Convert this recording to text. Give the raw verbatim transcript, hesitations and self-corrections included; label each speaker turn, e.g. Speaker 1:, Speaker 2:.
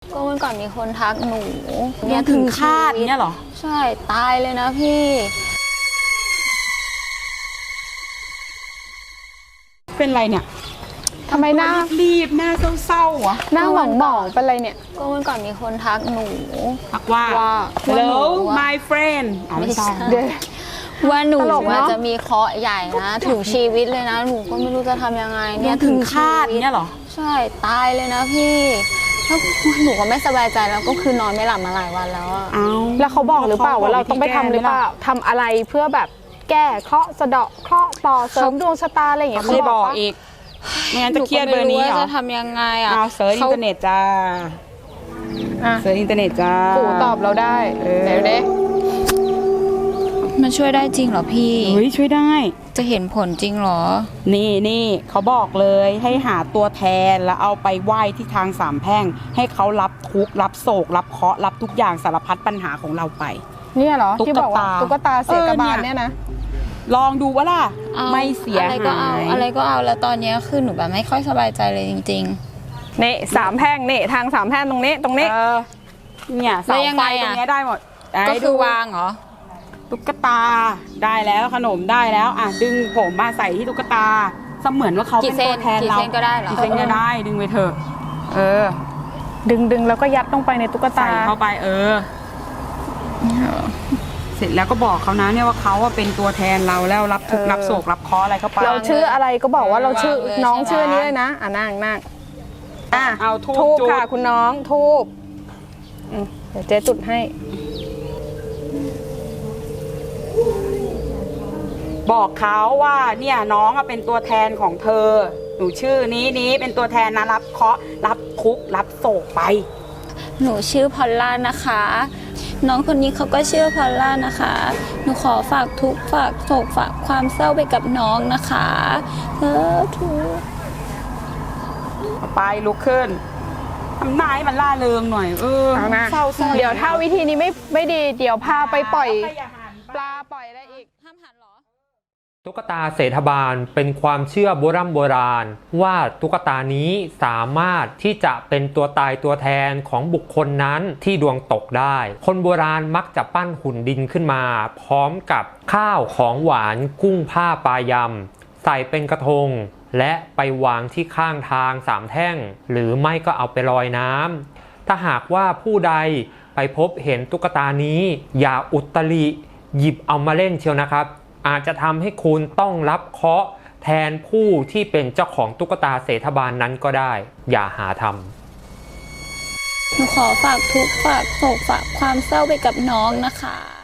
Speaker 1: ก็วันก่อนมีคนทักหนู
Speaker 2: เนี่ยถึงคาดเนี่ยเหรอ
Speaker 1: ใช่ตายเลยนะพี่
Speaker 2: เป็นไรเนี่ย
Speaker 3: ทำไมหน้า
Speaker 2: รีบหน้าเศร้าๆอ่ะ
Speaker 3: หน้าหมองหมองเป็นไรเนี่ย
Speaker 1: ก็วันก่อนมีคนทักหนู
Speaker 2: ทักว่า hello my friend
Speaker 1: ไม่ใช่
Speaker 3: เดี๋ยว
Speaker 1: ว่าหนู
Speaker 3: ตลกเนอะ
Speaker 1: จะมีเคราะห์ใหญ่นะถึงชีวิตเลยนะหนูก็ไม่รู้จะทำยังไง
Speaker 2: เนี่ยถึงคาดเนี่ยเหรอ
Speaker 1: ใช่ตายเลยนะพี่แล้วหนูก็ไม่สบายใจแล้วก็คือนอนไม่หลับมาหลายวันแล้วอะ
Speaker 3: แล้วเขาบอกหรือเปล่าว่าเราต้องไปทำหรือเปล่าทำอะไรเพื่อแบบแก้เคราะห์สะเดาะเคราะห์ต่อเสริมดวงชะตาอะไรอย่างเงี้ย
Speaker 2: เขาไม่บอกอีกไม่งั้นจะเครียดเบอร์นี้เหรอ
Speaker 1: จะทำยังไงอ่ะ
Speaker 2: เอาเซิร์ชอินเทอร์เน็ตจ้าเซิร์ชอินเทอร์เน็ตจ้า
Speaker 3: ปู่ตอบเราได้เดี๋ยวเด้
Speaker 1: มันช่วยได้จริงเหรอพี่
Speaker 2: เฮ้ยช่วยได้
Speaker 1: จะเห็นผลจริงเหรอ
Speaker 2: นี่นี่เขาบอกเลยให้หาตัวแทนแล้วเอาไปไหว้ที่ทางสามแพร่งให้เขารับทุกข์รับโศกรับเคราะห์รับทุกอย่างสารพัดปัญหาของเราไป
Speaker 3: เนี่ยเหรอที่บอกว่าตุ๊กตาเสียกระบาลเนี่ยนะ
Speaker 2: ลองดูว่าล่ะไม่เสียหายอะไร
Speaker 1: ก็เอาอะไรก็เอาแล้วตอนนี้คือหนูแบบไม่ค่อยสบายใจเลยจริง
Speaker 3: ๆนี่สามแพร่งนี่ทางสามแพร่งตรงนี้ตรงนี้
Speaker 2: เนี่ยเสาไฟตรงนี้ได้หมด
Speaker 1: ก็คือวางเหรอ
Speaker 2: ตุ๊กตาได้แล้วขนมได้แล้วอ่ะดึงผมมาใส่ที่ตุ๊กตาเสมือนว่าเขาเป็นตัวแทนเรา
Speaker 1: กี่เส้นก็ได้เหรอ
Speaker 2: กี่เส้นก็ได้ดึงไปเถอะเออ
Speaker 3: ดึงดึงแล้วก็ยัดลงไปในตุ๊กตา
Speaker 2: ใส่เข้าไปเออเสร็จแล้วก็บอกเขานะเนี่ยว่าเขาเป็นตัวแทนเราแล้วรับทุกรับโศกรับเคราะห์อะไรเข้าไป
Speaker 3: เราชื่ออะไรก็บอกว่าเราชื่อน้องชื่อนี้เลยนะอ่ะนั่งนั่งอ่ะ
Speaker 2: เอาทูบ
Speaker 3: ค่ะคุณน้องทูบเดี๋ยวเจ๊จุดให้
Speaker 2: บอกเขาว่าเนี่ยน้องเป็นตัวแทนของเธอหนูชื่อนี้นี้เป็นตัวแทนนะรับเคราะห์รับทุกข์รับโศกไป
Speaker 1: หนูชื่อพอลล่านะคะน้องคนนี้เขาก็ชื่อพอลล่านะคะหนูขอฝากทุกข์ฝากโศกฝากความเศร้าไปกับน้องนะคะเออทุก
Speaker 2: ไปลุกขึ้นทำหน้าให้มันล่าเริงหน่อยเออ
Speaker 3: เศร้าเดี๋ยวถ้าวิธีนี้ไม่ไม่ดีเดี๋ยวพาไปปล่อยปลาปล่อยอะไรอีกห้ามหันหรอ
Speaker 4: ตุ๊กตาเศรษฐบาลเป็นความเชื่อโบราณโบราณว่าตุ๊กตานี้สามารถที่จะเป็นตัวตายตัวแทนของบุคคลนั้นที่ดวงตกได้คนโบราณมักจะปั้นหุ่นดินขึ้นมาพร้อมกับข้าวของหวานกุ้งผ้าปลายำใส่เป็นกระทงและไปวางที่ข้างทางสามแท่งหรือไม่ก็เอาไปลอยน้ำถ้าหากว่าผู้ใดไปพบเห็นตุ๊กตานี้อย่าอุตริหยิบเอามาเล่นเชียวนะครับอาจจะทำให้คุณต้องรับเคราะห์แทนผู้ที่เป็นเจ้าของตุ๊กตาเศรษฐบาลนั้นก็ได้อย่าหาทำ
Speaker 1: หนูขอฝากทุกข์ฝากโศกฝากความเศร้าไปกับน้องนะคะ